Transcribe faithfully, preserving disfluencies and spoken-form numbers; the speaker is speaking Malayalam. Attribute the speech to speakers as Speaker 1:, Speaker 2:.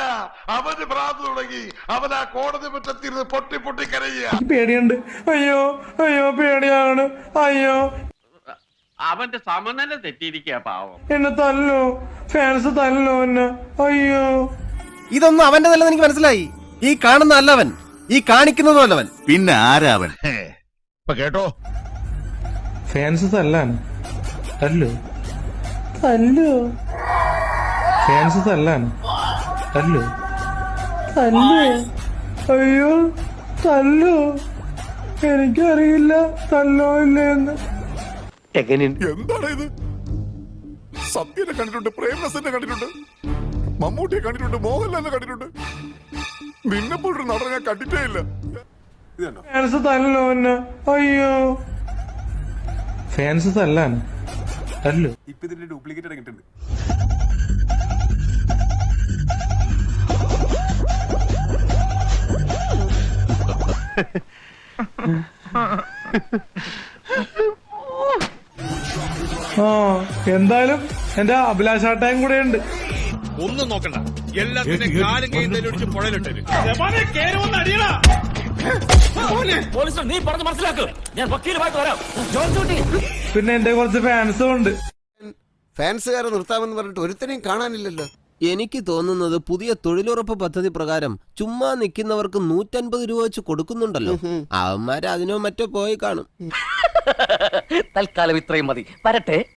Speaker 1: അവന് ഭ്രാന്ത് തുടങ്ങി. അവൻ ആ കോടതി മുറ്റത്തിരുന്ന് പൊട്ടി പൊട്ടി കരയുക.
Speaker 2: പേടിയുണ്ട്. അയ്യോ അയ്യോ പേടിയാണ്. അയ്യോ
Speaker 3: അവന്റെ സമനില തെറ്റിയിരിക്കുക പാവം.
Speaker 2: എന്നെ തല്ലോ, ഫാൻസ് തല്ലോ എന്നെ. അയ്യോ
Speaker 4: ഇതൊന്നും അവന്റെ നല്ലത് എനിക്ക് മനസ്സിലായി. ഈ കാണുന്ന അല്ലവൻ, ഈ കാണിക്കുന്നതും അല്ലവൻ.
Speaker 5: പിന്നെ ആരാവൻ?
Speaker 1: ഇപ്പൊ കേട്ടോ,
Speaker 2: ഫാൻസ് തല്ലാണ്. തല്ലോ തല്ലോ ഫാൻസ് തല്ലാണ്. തല്ലോ തല്ലോ അയ്യോ തല്ലോ. എനിക്കറിയില്ല തല്ലോ ഇല്ലെന്ന്.
Speaker 5: എന്താണ് ഇത്? സത്യനെ കണ്ടിട്ടുണ്ട്, പ്രേംനസനെ കണ്ടിട്ടുണ്ട്, മമ്മൂട്ടിയെ കണ്ടിട്ടുണ്ട്, മോഹൻലാലിനെ കണ്ടിട്ടുണ്ട്. നിന്നെപ്പോഴൊരു നടനെ ഞാൻ കണ്ടിട്ടേ ഇല്ല.
Speaker 2: ഫാൻസ് തല്ലോ എന്നെ. അയ്യോ ഫാൻസ് തല്ലാണ്. തല്ലോ
Speaker 5: ഇപ്പൊ ഇതിന്റെ ഡ്യൂപ്ലിക്കേറ്റ് ഇറങ്ങിയിട്ടുണ്ട്.
Speaker 2: ആ എന്തായാലും എന്റെ അഭിലാഷാട്ടയും കൂടെ ഉണ്ട്.
Speaker 6: ഒന്നും നോക്കണ്ട, എല്ലാത്തിനും കാലും കൈ പുഴയിലിട്ട്.
Speaker 7: നീ പറഞ്ഞ് മനസ്സിലാക്ക്, ഞാൻ വക്കീലുമായിട്ട് വരാം.
Speaker 2: പിന്നെ എന്റെ കുറച്ച് ഫാൻസും ഉണ്ട്.
Speaker 4: ഫാൻസുകാരെ നിർത്താമെന്ന് പറഞ്ഞിട്ട് ഒരുത്തനെയും കാണാനില്ലല്ലോ. എനിക്ക് തോന്നുന്നത് പുതിയ തൊഴിലുറപ്പ് പദ്ധതി പ്രകാരം ചുമ്മാ നിൽക്കുന്നവർക്ക് നൂറ്റൻപത് രൂപ വെച്ച് കൊടുക്കുന്നുണ്ടല്ലോ. അവന്മാര് അതിനോ മറ്റോ പോയി കാണും.
Speaker 7: തൽക്കാലം ഇത്രയും മതി. വരട്ടെ.